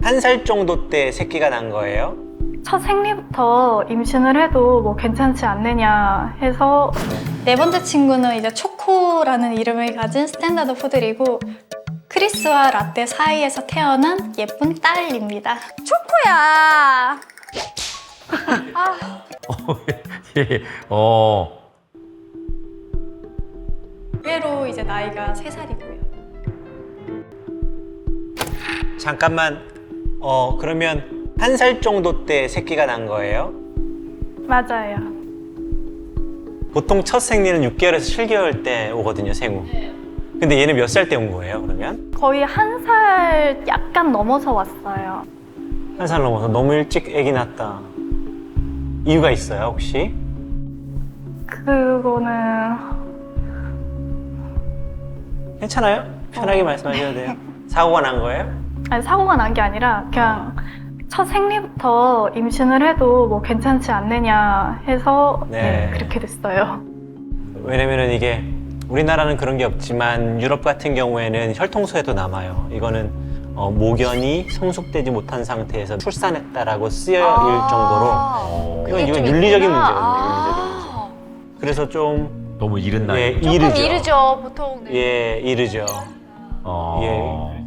한 살 정도 때 새끼가 난 거예요? 첫 생리부터 임신을 해도 뭐 괜찮지 않느냐 해서 네 번째 친구는 이제 초코라는 이름을 가진 스탠다드 푸들이고 크리스와 라떼 사이에서 태어난 예쁜 딸입니다. 초코야. 예. 의외로 이제 나이가 3살이고요. 잠깐만, 그러면 한 살 정도 때 새끼가 난 거예요? 맞아요. 보통 첫 생리는 6개월에서 7개월 때 오거든요, 생후. 근데 얘는 몇 살 때 온 거예요, 그러면? 거의 1살 약간 넘어서 왔어요. 한 살 넘어서 너무 일찍 아기 낳았다. 이유가 있어요, 혹시? 그거는 괜찮아요? 편하게 말씀하셔도 돼요. 사고가 난 거예요? 아니, 사고가 난 게 아니라 그냥 첫 생리부터 임신을 해도 뭐 괜찮지 않느냐 해서 네. 그렇게 됐어요. 왜냐면은 이게 우리나라는 그런 게 없지만 유럽 같은 경우에는 혈통소에도 남아요. 이거는 모견이 성숙되지 못한 상태에서 출산했다라고 쓰여질 정도로 이건 윤리적인 문제거든요. 그래서 좀 너무 이른 나이. 예, 조금 이르죠. 이르죠, 보통. 네. 예, 이르죠. 예.